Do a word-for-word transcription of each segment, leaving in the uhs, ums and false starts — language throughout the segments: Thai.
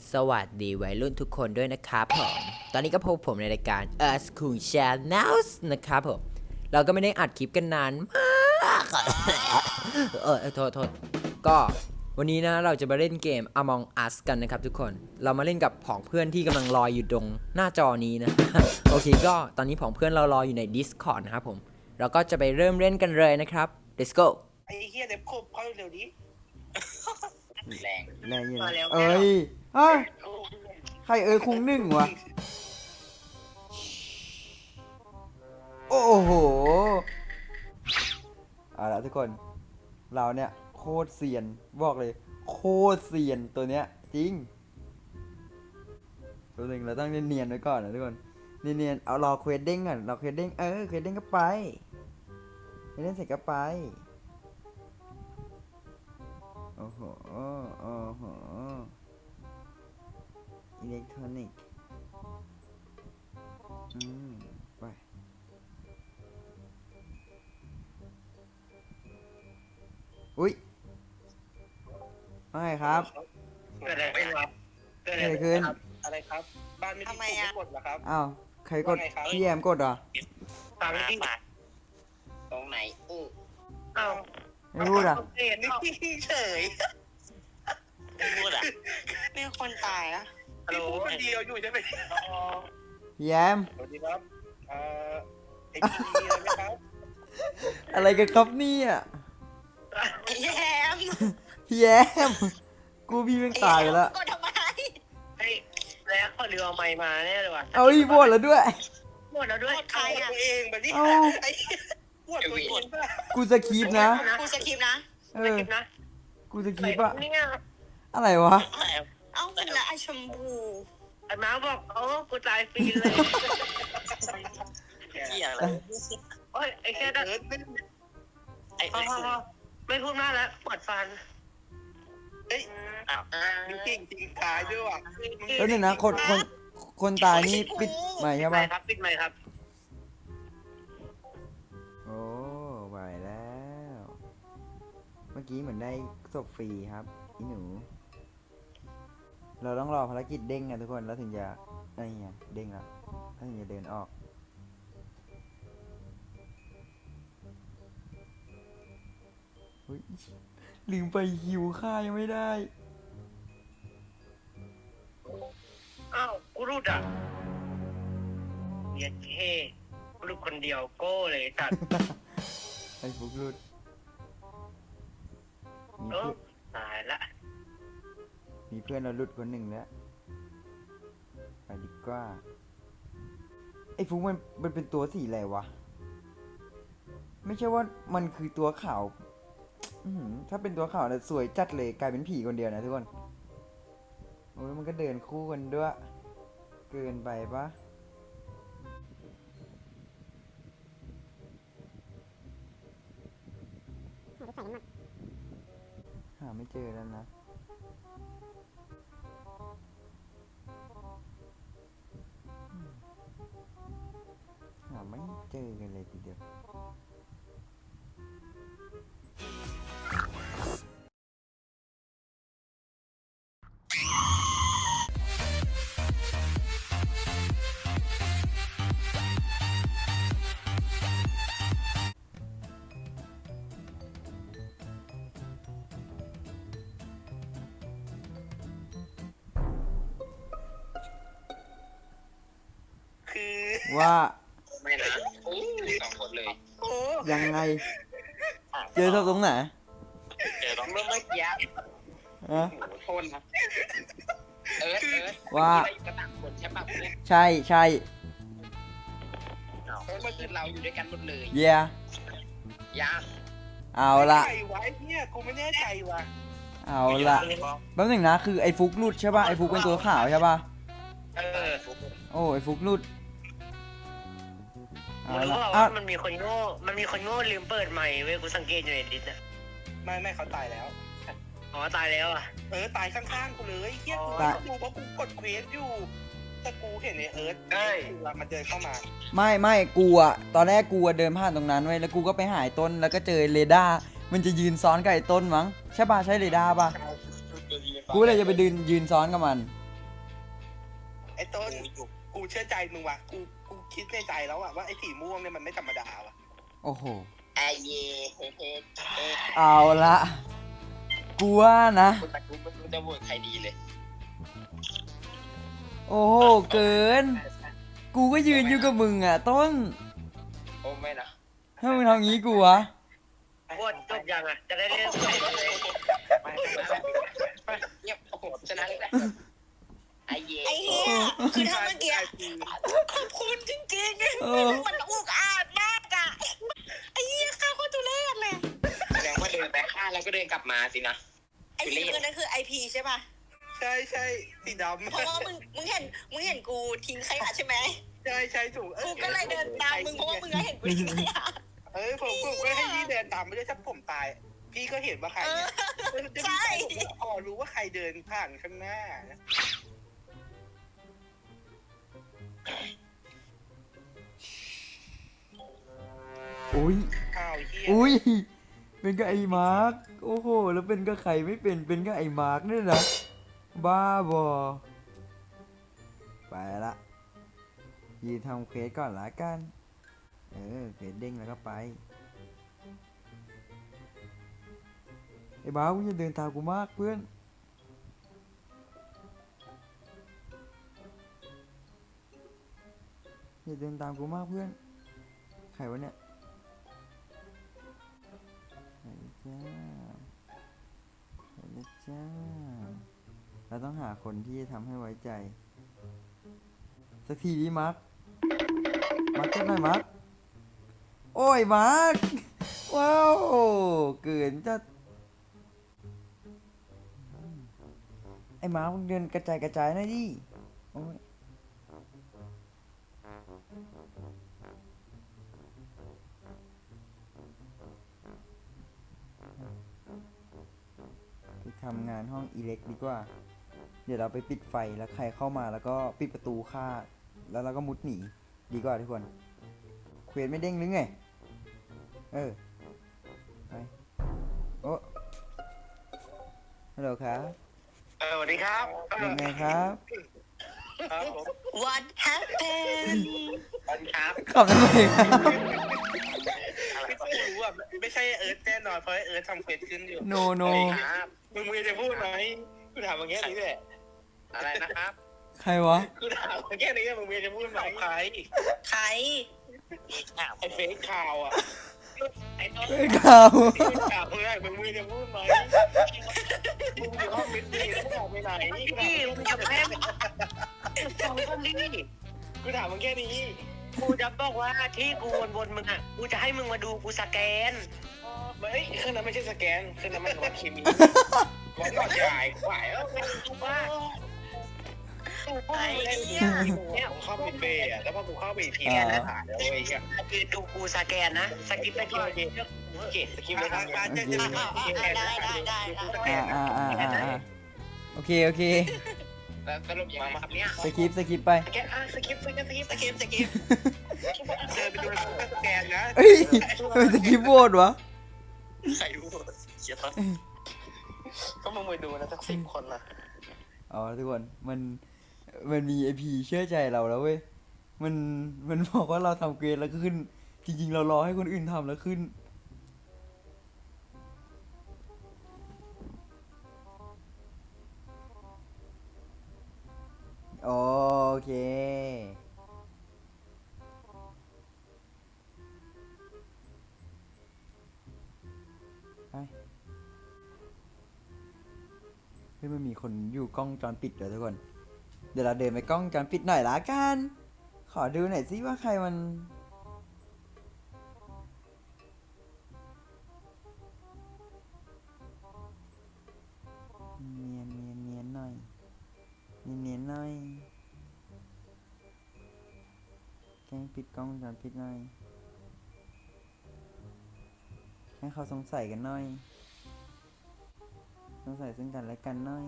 สวัสดีวัยรุ่นทุกคนด้วยนะครับผมตอนนี้ก็พบผมในรายการ Us Cool Channels นะครับผมเราก็ไม่ได้อัดคลิปกันนานมากเออโทษโทษก็วันนี้นะเราจะมาเล่นเกม Among Us กันนะครับทุกคนเรามาเล่นกับผองเพื่อนที่กำลังรออยู่ตรงหน้าจอนี้นะ โอเคก็ตอนนี้ผองเพื่อนเรารออยู่ใน Discord นะครับผมเราก็จะไปเริ่มเล่นกันเลยนะครับ let's go ไอ้เฮียเด็บคบเขาเร็วนี้แรงแรงอยู่มานะแล้วเอ้ยเฮ้ยใครเอ้ยคุงหนึ่งวะโอ้โหเอาละทุกคนเราเนี่ยโคตรเซียนบอกเลยโคตรเซียนตัวเนี้ยจริงตัวหนึ่งเราต้องเนียนๆไว้ก่อนนะทุกคนเนียนๆเอารอเควสเด้งก่อนรอเควสเด้งเออเควสเด้งก็ไปเควสเด้งเสร็จก็ไปโอ้โหโอ้โหอิเล็กทรอนิกส์อืมไปอุ๊ยไม่ครับเกิดอะไรขึ้นครับเกิดเกิดอะไรขึ้นอะไรครับบ้านไม่ได้ถูกกดเหรอครับอ้าวใครกดว่าไงครับพี่แอมกดเหรอตามที่ตรงไหนอู้อ้าวไม่พูดอ่ะเห็นนี่เฉยไม่พูดอ่ะมีคนตายอะฮัลโหลคนเดียวอยู่ใช่ไหมพี่แอมสวัสดีครับเอ่อไอ้ที่มีอะไรไหมครับอะไรกันครับเนี่ยแยมพี่แอมกูพี่เพิ่งตายไปแล้วกดทำไมไอ้แล้วเขาเรือเอาไม้มาแน่เลยว่ะเอาอีกบวชแล้วด้วยหมดแล้วด้วยเอาตัวเองแบบนี้เอ้าไอ้ปวดตัวเองป่ะกูสคีปนะกูสคริปต์นะเอไม่อเก็บนะกูสคีปอะนี่ไงอะไรวะเอ้าแล้วไอชมพูไอ้ม้าบอกโอ้กูตายฟรีเลยเกี่ยอะไรโอ้ยไอ้แค่นั้นไอ้พอไอ้พอสุดพอไม่พูดมากแล้วปวดฟัน เฮ้ยอ้าวจริงจริงตายด้วยว่ะแล้วหนึ่งนะคนคนคนตายนี่ปิดใหม่ใช่ไหมปะครับปิดไหมครับโอ้ไหวแล้ว เมื่อกี้เหมือนได้ศพฟรีครับอีหนู เราต้องรอภารกิจเด้งนะทุกคนแล้วถึงจะอะไรเงี้ยเด้งแล้วแล้วถึงจะเดินออกเฮ้ยลืมไปหิวข้ายังไม่ได้อ้าวกูรูดอ่ะเรียนเท่กูรูดคนเดียวโก้เลยตัดไอ้ฟุกรุดมีเอเพื่ออนตายละมีเพื่อนเราหลุดคนหนึ่งแล้วไปดีกว่าไอ้ฟุกมันมันเป็นตัวสีอะไรวะไม่ใช่ว่ามันคือตัวขาวอื้อหือถ้าเป็นตัวขาวเนี่ยสวยจัดเลยกลายเป็นผีคนเดียวนะทุกคนโอ้ยมันก็เดินคู่กันด้วย เกินไปปะหาไม่เจอแล้วนะหาไม่เจอกันเลยทีเดียวคือว่าไม่นะอู้สองคนเลยโอ้ยังไง เจอศพตรงไหนเจอตรงเมื่อเมื่อกี้ฮะโอ้โหโทษนะเอิร์ธเอิร์ธว่าเมื่อกี้เราอยู่กันต่างคนใช่ป่ะเพื่อนใช่ใช่อ้าวเมื่อคืนเราอยู่ด้วยกันหมดเลยเยียยาเอาละใครไว้เนี่ยกูไม่แน่ใจว่ะเอาละแป๊บหนึงนะคือไอ้ฟุกรุดใช่ป่ะไอ้ฟุกเป็นตัวขาวใช่ป่ะเออโอ้ไอ้ฟุกรุดเอามึงรู้ละเปล่าอ่ะว่ามันมีคนโง่ มันมีคนโง่ลืมเปิดใหม่เว้ยกูสังเกตอยู่ในดิสอะไม่ไม่เขาตายแล้ว อ๋อตายแล้วอ่ะ เออตายข้างๆกูเลยเฮียกูไม่รู้เพราะกูกดเควสอยู่ แต่กูเห็นไอ้เอิร์ธเอ้ยมันเดินเข้ามาไม่ไม่กูอะตอนแรกกูอะเดินผ่านตรงนั้นไว้ยแล้วกูก็ไปหายต้นแล้วก็เจอเรดาร์มันจะยืนซ้อนกับไอ้ต้นมั้งใช่ป่ะใช่เรดาร์ป่ะกูเลยจะไปยืนยืนซ้อนกับมันไอ้ต้นกูเชื่อใจมึงว่ะกูกูคิดในใจแล้วอะว่าไอ้สีม่วงเนี่ยมันไม่ธรรมดาว่ะโอ้โหไอเย่เฮ้เฮ้เฮ้เอาละกูว่านะกูแต่กูไม่รู้จะโหวตใครดีเลยโอ้โหเกิน กูก็ยืนอยู่กับมึงอ่ะต้นโอ้ไม่นะถ้ามึงทำงี้กูวะโคตรจบยังอะจะได้เล่นใหม่เลยไปไปเงียบโอ้โหชนะเลยไอเย่ไอ้เหี้ยคือถ้าเมื่อกี้ขอบคุณจริงเออๆมันอุกอาจมากอะไอ้เหี้ยข้าโคตรทุเรศเลยแสดงว่าเดินไปฆ่าแล้วก็เดินกลับมาสินะไอ้สีน้ำเงินนั่นคือไอพีใช่ป่ะใช่ใช่สีดำเพราะว่ามึงมึงเห็นมึงเห็นกูทิ้งขยะใช่ไหมใช่ใช่ถูกกูก็เลยเดินตามมึงเพราะว่ามึงก็เห็นกูทิ้งขยะเออผมผมก็ให้พี่เดินตามไปด้วยถ้าผมตาย พี่ก็เห็นว่าใครเออเนี่ยใช่พอรู้ว่าใครเดินผ่านข้างหน้าอุ้ยอ้าวเฮียอุ้ย เป็นกับไอ้มาร์กโอ้โห แล้วเป็นกับใครไม่เป็น เป็นกับไอ้มาร์กนี่นะ บ้าบอ ไปละยืนทำเควสก่อนละกัน เออเควสเด้งแล้วก็ไป ไอ้บ้ากูจะเดินตามกูมากเพื่อน อย่าเดินตามกูมากเพื่อน ใครวะเนี่ยไปเลยจ้าไปเลยจ้า เราต้องหาคนที่จะทำให้ไว้ใจ สักทีดิมาร์ค มาร์คเจ็บหน่อยมาร์ค โอ้ยมาร์ค ว้าว เกินจะไอ้มาร์คมึงเดินกระจายกระจายหน่อยดิโอ้ย ไปทำงานห้องอิเล็กดีกว่า เดี๋ยวเราไปปิดไฟแล้วใครเข้ามาแล้วก็ปิดประตูฆ่า แล้วเราก็มุดหนีดีกว่าทุกคน เควสไม่เด้งหรือไง เออ ไป โอ้ฮัลโหลครับเออสวัสดีครับยังไงครับครับผม What happened สวัสดีครับขับทำไมไม่รู้อ่ะไม่ใช่เอิร์ธแน่นอนเพราะเอิร์ธทำเควสขึ้นอยู่โนโนครับมึงมีจะพูดไหมกูถามมึงแค่นี้แหละอะไรนะครับใครวะกูถามมึงแค่นี้มึงมีจะพูดไหมใครใครไอ้เฟซข่าวอ่ะไอ้ต้นเฮ้ยข่าวข่าวมึงไงมึงมีจะพูดไหมมึงอยู่ห้องมิดดีแล้วมึงออกไปไหนพี่มึงจะแพ้สองคนนี้กูถามมึงแค่นี้กูจะบอกว่าที่กูวนๆมึงอ่ะกูจะให้มึงมาดูกูสแกนไม่เครื่องนั้นไม่ใช่สแกนเครื่องนั้นมันวัดเคมีวัดหลอดใหญ่ขวายแล้วกูว่าไอ้เหี้ยเนี่ยผมเข้าไปเบย์อ่ะแล้วพอกูเข้าไปอีกทีอ่าเนี่ยถ่ายแล้วเว้ยเนี่ยคือดูกูสแกนนะสกิปไปก่อนโอเคสกิปเลยครับอ่ะอ่ะอ่ะได้ได้ได้ได้อ่าอ่าอ่าอ่าอ่าโอเค โอเคแล้วสรุปยังไงครับเนี่ยสกิปสกิปไปสแกนอ่ะสกิปสกิปสกิปสกิปสกิปเดินไปดูสแกนนะเฮ้ยทำไมสกิปโหวตวะใครรู้เสียต้นก็มึงไปดูนะสักสิบคนนะเอาละทุกคน มัน มันมีไอพีเชื่อใจเราแล้วเว้ย มัน มันบอกว่าเราทำเกรดแล้วก็ขึ้น จริงๆ เรารอให้คนอื่นทำแล้วขึ้น โอเค ไป เฮ้ยมันมีคนอยู่กล้องวงจรปิดเลยทุกคน เดี๋ยวเราเดินไปกล้องวงจรปิดหน่อยละกัน ขอดูหน่อยสิว่าใครมัน เนียนเนียนเนียนหน่อย เนียนเนียนหน่อยแกล้งปิดกล้องวงจรปิดหน่อย ให้เขาสงสัยกันหน่อย สงสัยซึ่งกันและกันหน่อย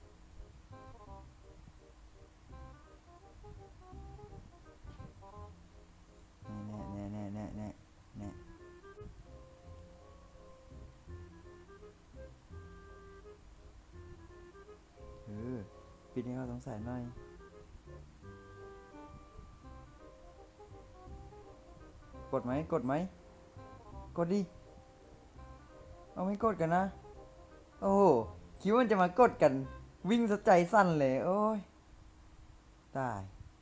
แน่แน่แน่แน่แน่แน่เออปิดให้เขาสงสัยหน่อยกดไหมกดไหมกดดิเอาไม่กดกันนะโอ้โหคิดว่ามันจะมากดกันวิ่งสะใจสั้นเลยโอ้ยตาย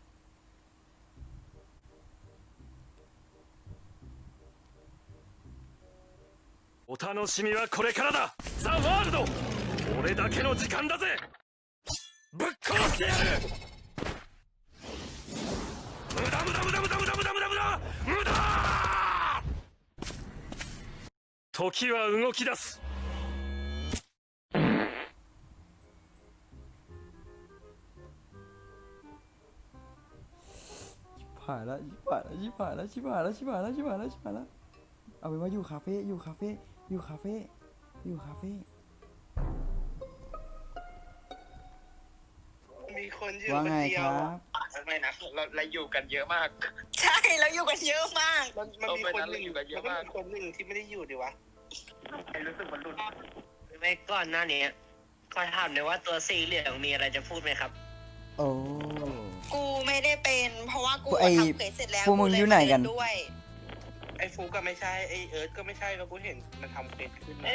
お楽しみはこれからだ。ザ・ワールド、俺だけの時間だぜ。ぶっ殺してやる。無駄無駄無駄無駄無駄無駄無駄無駄無駄。時は動き出す。 ผ่านแล้วชิบหายแล้วชิบหายแล้วชิบหายแล้วชิบหายแล้วชิบหายแล้วชิบหายแล้วเอาเป็นว่าอยู่คาเฟ่อยู่คาเฟ่อยู่คาเฟ่อยู่คาเฟ่มีคนอยู่ว่าคนไงเดีคยวรับไม่นะเราเราอยู่กันเยอะมากใช่แล้วอยู่กันเยอะมากมันมันมีคนหนึ่งเอาไปนั้นเราอยู่กันเยอะมันมากมีคนหนึ่งที่ไม่ได้อยู่ดิวะรู้สึกมันหลุดไม่ก่อนหน้านี้ขอถามเลยว่าตัวสีเหลืองมีอะไรจะพูดไหมครับโอ้กูไม่ได้เป็นเพราะว่ากูไอ้ทำเควสเสร็จแล้วพวกมึงอยู่ไหนกันกูเลยมาเล่ด้วยไอ้ฟูก็ไม่ใช่ไอ้เอิร์ธก็ไม่ใช่ก็กูเห็นมันทำเฟซขึ้นมา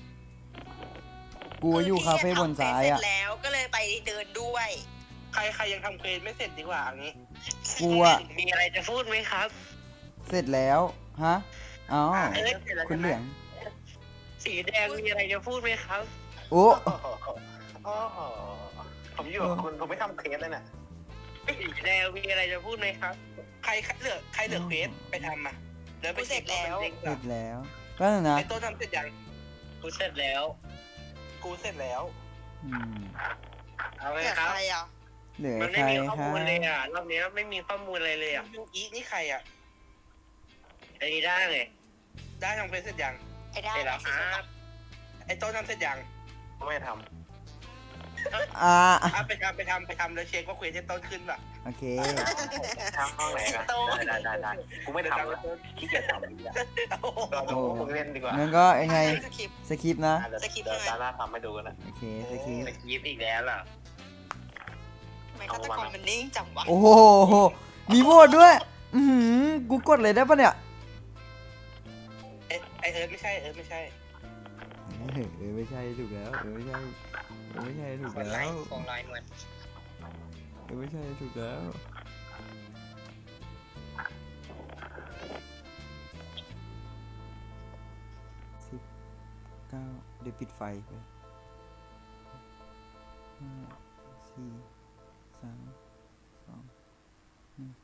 กูอยู่คาเฟ่บนซ้ายเสร็อ่ะจแล้วก็เลยไปเดินด้วยใครใครยังทำเควสไม่เสร็จดีกว่าอันนี้กูอ่ะมีอะไรจะพูดไหมครับเสร็จแล้วฮะอ๋อเอิร์ธเสร็จแล้วคุณเหลืองสีแดงมีอะไรจะพูดไหมครับโอ้อ๋อผมอยู่กับคุณผมไม่ทำเควสเลยน่ะสีแดงมีอะไรจะพูดไหมครับ ใครเหลือใครเหลือเควสไปทำมาเดี๋ยวไปกูเสร็จแล้วเสร็จแล้วก็นะไอ้โต้ทำเสร็จยังกูเสร็จแล้ว กูเสร็จแล้วอืมเอาเลยแต่ครับใครอ่ะเหลือมันใคไม่รมีข้อครัมูลเลยบอ่ะรอบนี้ไม่มีข้อมูลอะไรเลยอ่ะยูอีนี่ใครอ่ะไอ้ได้ไงได้ทำเควสเสร็จยังไอ้ได้เสร็จแล้วครับไอ้โต้ทำเสร็จยังไม่ทำอ่าอ่ะไปทำไปทำไปทำแล้วเช็คว่าเควสที่ต้นขึ้นป่ะโอเคทำห้องไหนกันได้ได้ได้กูไม่ทำแล้วขี้เกียจทำเราดูพวกเล่นดีกว่างั้นก็ยังไงสคริปต์สคริปต์นะสคริปต์เดี๋ยวใช่ไหมตาหน้าทำให้ดูกันนะโอเคสคริปต์สคริปต์อีกแล้วล่ะทำไมฆาตกรมันนิ่งจังวะโอ้โหมีโหวตด้วย อือหือกูกดเลยได้ปะเนี่ยเอ๊ะไอเอิร์ธไม่ใช่เอิร์ธไม่ใช่เออเออไม่ใช่ถูกแล้วเออไม่ใช่เออไม่ใช่ถูกคนไลแล้วน์ของไลน์เหมือนเออไม่ใช่ถูกแล้วสิบเก้าเดี๋ยวปิดไฟไปห้าสี่สามสองหนึ่ง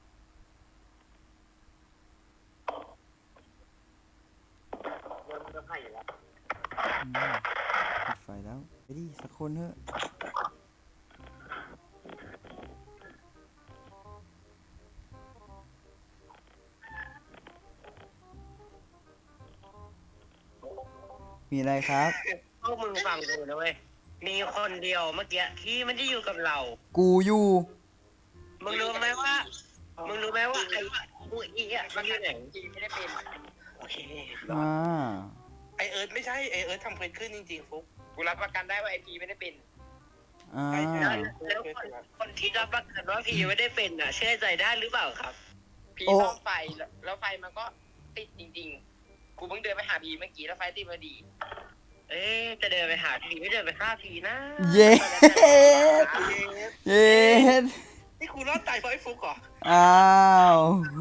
อืมปิดไฟแล้วไปดิสักคนเถอะมีอะไรครับพวกมึงฟังดูนะเว้ย มีคนเดียวเมื่อกี้ที่มันจะอยู่กับเรากูอยู่มึงรู้ไหมว่า มึงรู้ไหมว่าไอ้กูอีอ่ะมันอยู่ไหนจริงไม่ได้เป็นโอเคอ่าไอเอิร์ธไม่ใช่ไอเอิร์ธทำเควสขึ้นจริงๆฟุกกูรับประกันได้ว่าไอพีไม่ได้เป็นอ่าไอ้แล้วคนคนที่รับประกันว่าพีไม่ได้เป็นอ่ะ เชื่อใจได้หรือเปล่าครับพีโอ้ซ่อมไฟแล้วแล้วไฟมันก็ติดจริงๆ กูเพิ่งเดินไปหาพีเมื่อกี้แล้วไฟติดพอดีเอ๊ะจะเดินไปหาพีไม่เดินไปฆ่าพีนะเย้เย้นี่กูรอดตายเพราะไอ้ฟุกเหรออ้าว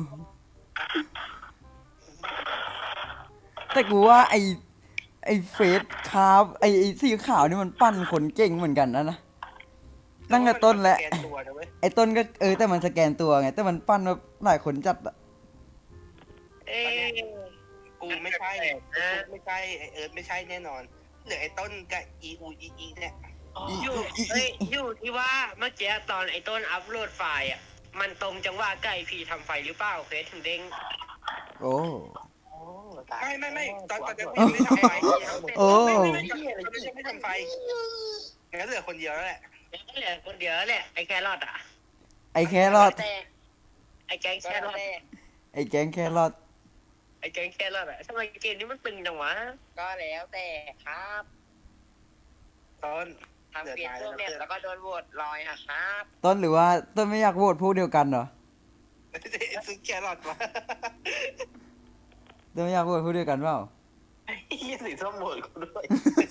แต่กูว่าไอไอเฟสคาร์ฟไอไอสีขาวนี่มันปั้นคนเก่งเหมือนกันนะนะตั้งแต่ต้นแล้วสกตัวนะเว้ยไอต้นก็เออแต่มันสแกนตัวไงแต่มันปั้นมาหลายคนจัดอะเอ๊ะกูไม่ใช่ฟุกไม่ใช่ไอเอิร์ธไม่ใช่แน่นอนเหลือไอ้ต้นกับอีอูอีอีเนี่ย อยู่เอ้ยอยู่ที่ว่าเมื่อกี้ตอนไอ้ต้นอัพโหลดไฟล์อ่ะ มันตรงจังหวะไก่พีทำไฟหรือเปล่าเควสถึงเด้งโอ้ไม่ไม่ไม่ตอนตอนจะพีไม่ทำไฟโอ้ไม่ไม่ไม่ไม่ใช่ไม่ทำไฟงั้นเหลือคนเดียวแล้วแหละเหลือคนเดียวแล้วแหละไอ้แครอทอ่ะไอแครอทแต่ไอ้แกงแครอทไอแกงแครอทไอ้แกงแครอทอ่ะทำไมเกมนี้มันตึงจังวะก็แล้วแต่ครับตอนทำเปลี่ยนตัวเนี่ยแล้วก็โดนโหวตลอยอะครับต้นหรือว่าต้นไม่อยากโหวตพวกเดียวกันเหรอซื้อแครอทมาต้นไม่อยากโหวตพวกเดียวกันเปล่าเฮียสีส้มโหวตกูด้วย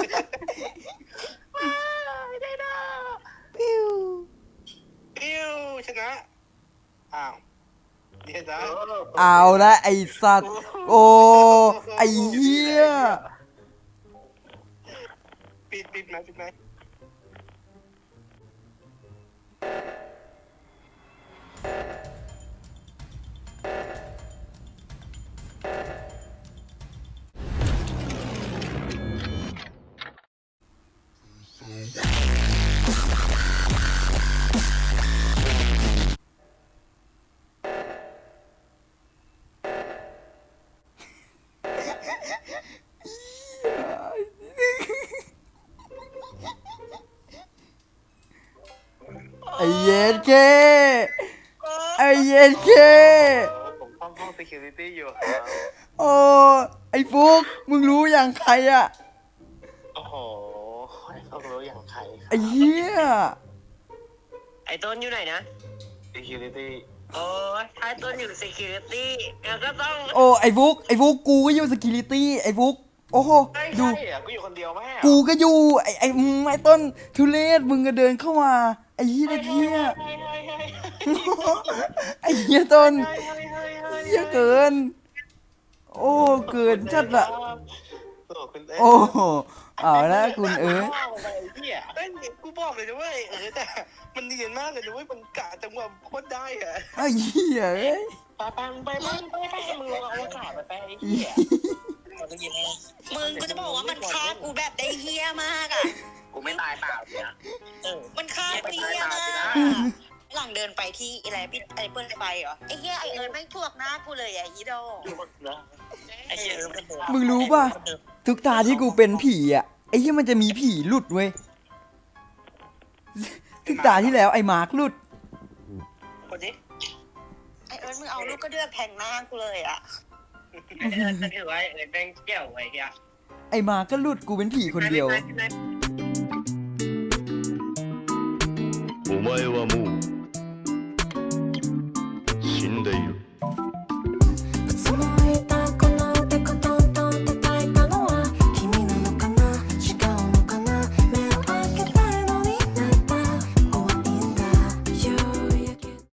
ไม่ได้นะปิ้วปิ้วชนะอ้าวเดี๋ยวนะเอาละไอสัตว์โอ้ไอเหี้ยปิดปิดไหมปิดไหมไอเย็นเคไอเย็นเคผมเข้าห้อง security อยู่โอ้ไอฟุกมึงรู้อย่างใครอะโอ้โหเขารู้อย่างใครไอเหี้ยไอ้ต้นอยู่ไหนนะ security โอ้ยถ้าต้นอยู่ security แล้วก็ต้องโอ้ไอฟุกไอฟุกกูก็อยู่สกิลิตี้ไอฟุกโอ้โหใช่ดูใช่อะกูอยู่คนเดียวแม่กูก็อยู่ไอไออืมไอต้นทุเรศมึงก็เดินเข้ามาไอเหี้ยไอเหี้ยไอเหี้ยต้นเหี้ยเกิน โอ้เกินจัดละโอ้เอาละคุณเอ๋ยเอ้ยกูบอกเลยนะเว้ยเออแต่มันเนียนมากเลยนะเว้ยมันกะจังหวะโคตรได้อะไอ้เหี้ยเอ้ยไปไปไปไปไปไปมึงลองเอาอากาศไปไปไอ้เหี้ยมึงกูจะบอกว่ามันฆ่ากูแบบได้เฮี้ยมากอ่ะกูไม่ตายเปล่าเนี่ยมันฆ่ากูเฮี้ยมากหลังเดินไปที่อะไรพี่ไอ้เปิ้ลไฟเหรอไอ้เฮี้ยไอ้เอิร์นแม่งถ่วงหน้ากูเลยอ่ะอีโดไอ้เหี้ยเออมันเดินมึงรู้ป่ะทุกตาที่กูเป็นผีอ่ะไอ้เหี้ยมันจะมีผีหลุดเว้ยทุกตาที่แล้วไอ้มาร์คหลุดคนนี้ไอ้เอิร์นมึงเอาลูกกระเดือกแทงหน้ากูเลยอ่ะไอ้เอิร์นถือว่าไอ้เอิร์นแม่งเกี่ยวไว้เฮียไอ้มาร์คก็หลุดกูเป็นผีคนเดียวお前はもう